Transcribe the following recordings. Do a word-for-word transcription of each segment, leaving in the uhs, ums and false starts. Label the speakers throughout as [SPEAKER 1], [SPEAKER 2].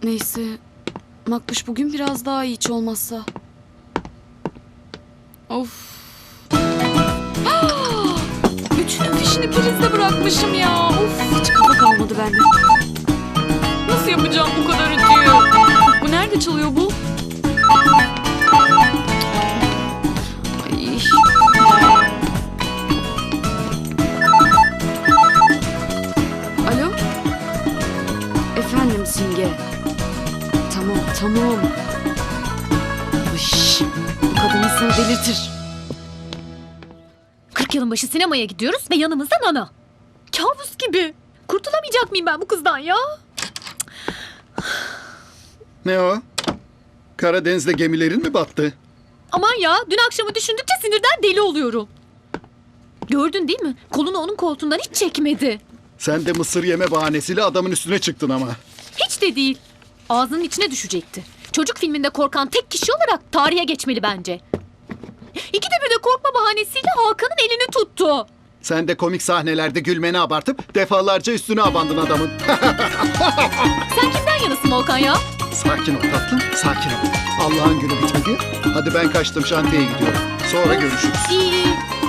[SPEAKER 1] Neyse. Makbuş bugün biraz daha iyi hiç olmazsa. Of. Bütün fişini prizde bırakmışım ya. Of, hiç kafa kalmadı bende. Nasıl yapacağım bu kadar ütüyü? Bu nerede çalıyor bu? Ay. Alo? Efendim Simge. Tamam, tamam. Iş, bu kadın insanı delirtir.
[SPEAKER 2] kırk yılın başı sinemaya gidiyoruz ve yanımızda Nana. Kabus gibi. Kurtulamayacak mıyım ben bu kızdan ya?
[SPEAKER 3] Ne o? Karadeniz'de gemilerin mi battı?
[SPEAKER 2] Aman ya, dün akşamı düşündükçe sinirden deli oluyorum. Gördün değil mi? Kolunu onun koltuğundan hiç çekmedi.
[SPEAKER 3] Sen de mısır yeme bahanesiyle adamın üstüne çıktın ama.
[SPEAKER 2] Hiç de değil. Ağzının içine düşecekti. Çocuk filminde korkan tek kişi olarak tarihe geçmeli bence. İkide bir de korkma bahanesiyle Hakan'ın elini tuttu.
[SPEAKER 3] Sen de komik sahnelerde gülmeni abartıp defalarca üstüne abandın adamın.
[SPEAKER 2] Sen kimden yanasın Volkan ya?
[SPEAKER 3] Sakin ol tatlım, sakin ol. Allah'ın günü bitmedi. Hadi ben kaçtım, şantiyeye gidiyorum. Sonra görüşürüz.
[SPEAKER 2] İyi iyi.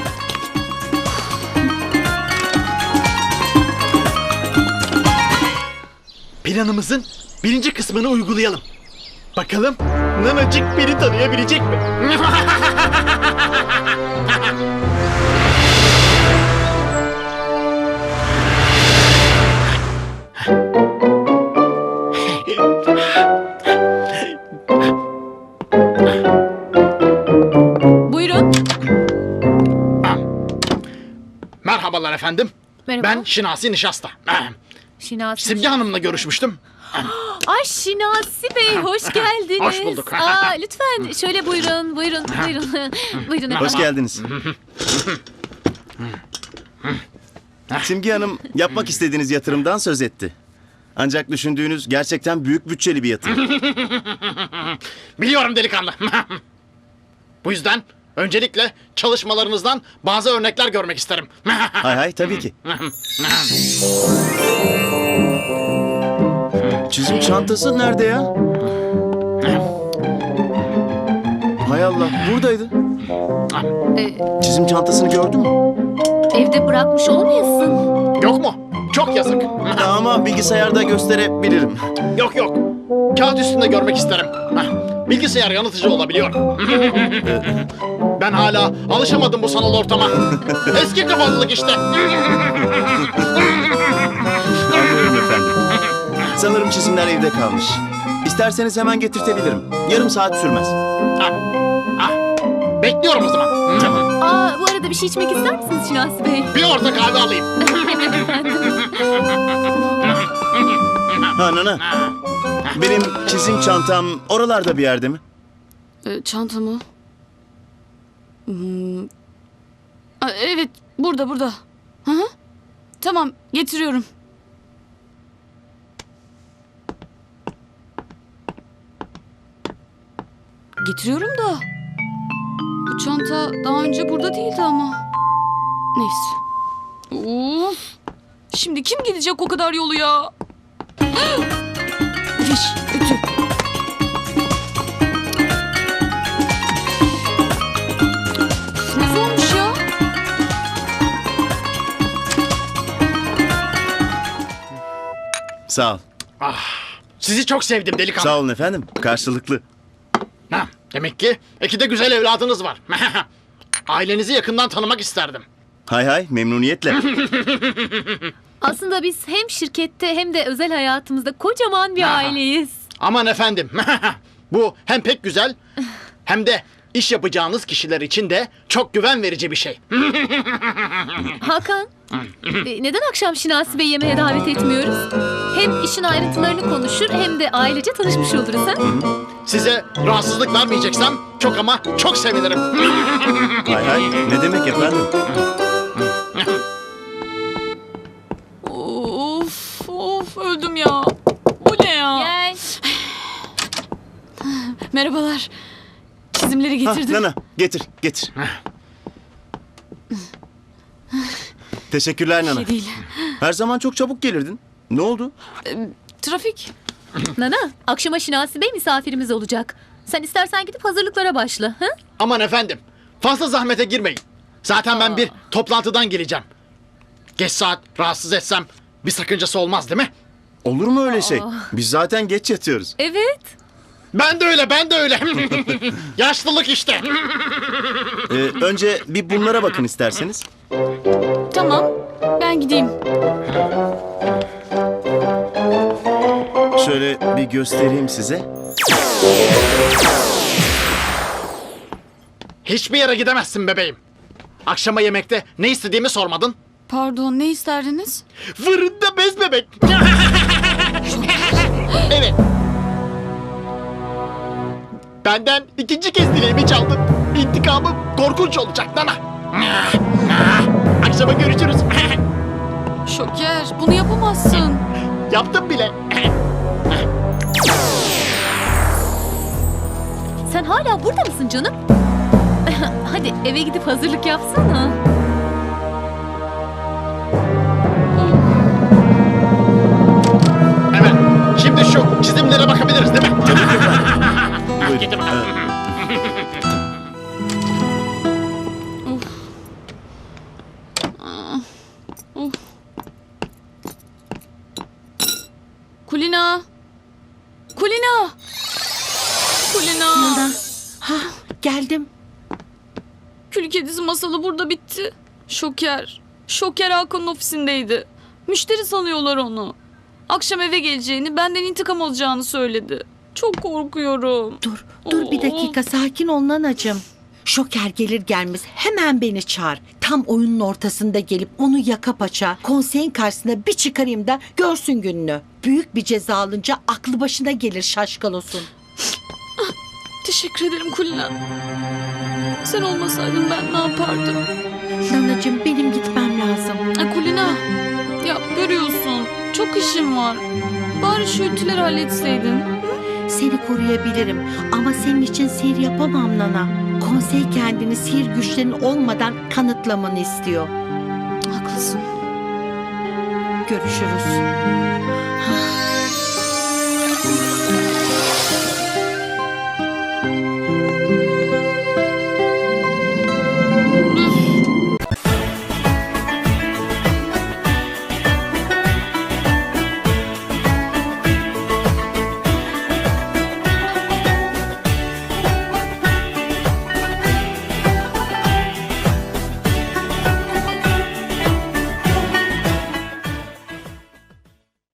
[SPEAKER 4] Planımızın birinci kısmını uygulayalım. Bakalım Nanacık beni tanıyabilecek mi?
[SPEAKER 2] Buyurun.
[SPEAKER 4] Merhabalar efendim.
[SPEAKER 2] Merhaba.
[SPEAKER 4] Ben Şinasi Nişasta.
[SPEAKER 2] Şinasi.
[SPEAKER 4] Simge Hanım'la görüşmüştüm.
[SPEAKER 2] Ay Şinasi Bey, hoş geldiniz.
[SPEAKER 4] Hoş bulduk.
[SPEAKER 2] Aa, lütfen şöyle buyurun, buyurun, buyurun. Buyurun efendim.
[SPEAKER 5] Hoş geldiniz. Simge Hanım yapmak istediğiniz yatırımdan söz etti. Ancak düşündüğünüz gerçekten büyük bütçeli bir yatırım.
[SPEAKER 4] Biliyorum delikanlı. Bu yüzden öncelikle çalışmalarınızdan bazı örnekler görmek isterim.
[SPEAKER 5] Hay hay tabii ki. Çizim çantası nerede ya? Hay Allah, buradaydı.
[SPEAKER 2] Ee,
[SPEAKER 5] Çizim çantasını gördün mü?
[SPEAKER 2] evde bırakmış olmayasın.
[SPEAKER 4] Yok mu? Çok yazık.
[SPEAKER 5] Ama bilgisayarda gösterebilirim.
[SPEAKER 4] Yok yok. Kağıt üstünde görmek isterim. Bilgisayar yanıltıcı olabiliyor. Ben hala alışamadım bu sanal ortama. Eski kafalılık işte.
[SPEAKER 5] Anlıyorum efendim. Sanırım çizimler evde kalmış. İsterseniz hemen getirtebilirim. Yarım saat sürmez.
[SPEAKER 4] Ah, ah. Bekliyorum o zaman.
[SPEAKER 2] Aa, bu arada bir şey içmek ister misiniz Şinasi Bey?
[SPEAKER 4] Bir orta kahve alayım.
[SPEAKER 5] Ha Nana. Benim çizim çantam oralarda bir yerde mi?
[SPEAKER 1] Ee, çanta mı? Hmm. Aa, evet, burada, burada. Hı hı. Tamam, getiriyorum. Getiriyorum da. Bu çanta daha önce burada değildi ama. Neyse. Of. Şimdi kim gidecek o kadar yolu ya? Fiş, ütü. Ne zormuş ya?
[SPEAKER 5] Sağ ol.
[SPEAKER 4] Sizi çok sevdim delikanlı.
[SPEAKER 5] Sağ olun efendim. Karşılıklı.
[SPEAKER 4] Ha, demek ki iki de güzel evladınız var. Ailenizi yakından tanımak isterdim.
[SPEAKER 5] Hay hay memnuniyetle.
[SPEAKER 2] Aslında biz hem şirkette hem de özel hayatımızda kocaman bir aileyiz.
[SPEAKER 4] Aman efendim. Bu hem pek güzel hem de iş yapacağınız kişiler için de çok güven verici bir şey.
[SPEAKER 2] Hakan, e, neden akşam Şinasi Bey yemeğe davet etmiyoruz? Hem işin ayrıntılarını konuşur hem de ailece tanışmış oluruz ha?
[SPEAKER 4] Size rahatsızlık vermeyeceksem çok ama çok sevinirim.
[SPEAKER 5] Hay hay ne demek efendim?
[SPEAKER 1] Of, of öldüm ya. Bu ne ya?
[SPEAKER 2] Gel.
[SPEAKER 1] Merhabalar. Çizimleri
[SPEAKER 5] Ha,
[SPEAKER 1] getirdim.
[SPEAKER 5] Nana getir getir. Teşekkürler Nana.
[SPEAKER 1] Şey değil.
[SPEAKER 5] Her zaman çok çabuk gelirdin. Ne oldu?
[SPEAKER 1] Trafik.
[SPEAKER 2] Nana, akşama Şinasi Bey misafirimiz olacak. Sen istersen gidip hazırlıklara başla. Ha?
[SPEAKER 4] Aman efendim, fazla zahmete girmeyin. Zaten ben bir toplantıdan geleceğim. Geç saat rahatsız etsem bir sakıncası olmaz değil mi?
[SPEAKER 5] Olur mu öyle şey? Biz zaten geç yatıyoruz.
[SPEAKER 2] Evet.
[SPEAKER 4] Ben de öyle, ben de öyle. Yaşlılık işte.
[SPEAKER 5] Ee, önce bir bunlara bakın isterseniz.
[SPEAKER 1] Tamam. Ben gideyim.
[SPEAKER 5] Şöyle bir göstereyim size.
[SPEAKER 4] Hiçbir yere gidemezsin bebeğim. Akşama yemekte ne istediğimi sormadın.
[SPEAKER 1] Pardon, ne isterdiniz?
[SPEAKER 4] Fırında bez bebek. Evet. Benden ikinci kez dileğimi çaldın. İntikamım korkunç olacak Nana. Akşama görüşürüz.
[SPEAKER 1] Şoker, bunu yapamazsın.
[SPEAKER 4] Yaptım bile.
[SPEAKER 2] Sen hala burada mısın canım? Hadi eve gidip hazırlık yapsana.
[SPEAKER 4] Evet. Şimdi şu çizimlere bakabiliriz değil mi?
[SPEAKER 5] Buyurun.
[SPEAKER 4] Gidin bakalım.
[SPEAKER 1] Kulina. Kulina. Kulina.
[SPEAKER 6] Geldim.
[SPEAKER 1] Kül kedisi masalı burada bitti. Şoker. Şoker Hakan'ın ofisindeydi. Müşteri sanıyorlar onu. Akşam eve geleceğini, benden intikam alacağını söyledi. Çok korkuyorum.
[SPEAKER 6] Dur, dur bir dakika sakin ol nanacığım. Şoker gelir gelmez hemen beni çağır. Tam oyunun ortasında gelip onu yaka paça konseyin karşısına bir çıkarayım da görsün gününü. Büyük bir ceza alınca aklı başına gelir şaşkalosun.
[SPEAKER 1] Teşekkür ederim Kulina. Sen olmasaydın ben ne yapardım?
[SPEAKER 6] Nanacığım benim gitmem lazım.
[SPEAKER 1] Ay Kulina. Ya görüyorsun. Çok işim var. Bari şu ütüleri halletseydin.
[SPEAKER 6] Seni koruyabilirim ama senin için sihir yapamam Nana. Konsey kendini sihir güçlerin olmadan kanıtlamanı istiyor.
[SPEAKER 1] Haklısın.
[SPEAKER 6] Görüşürüz.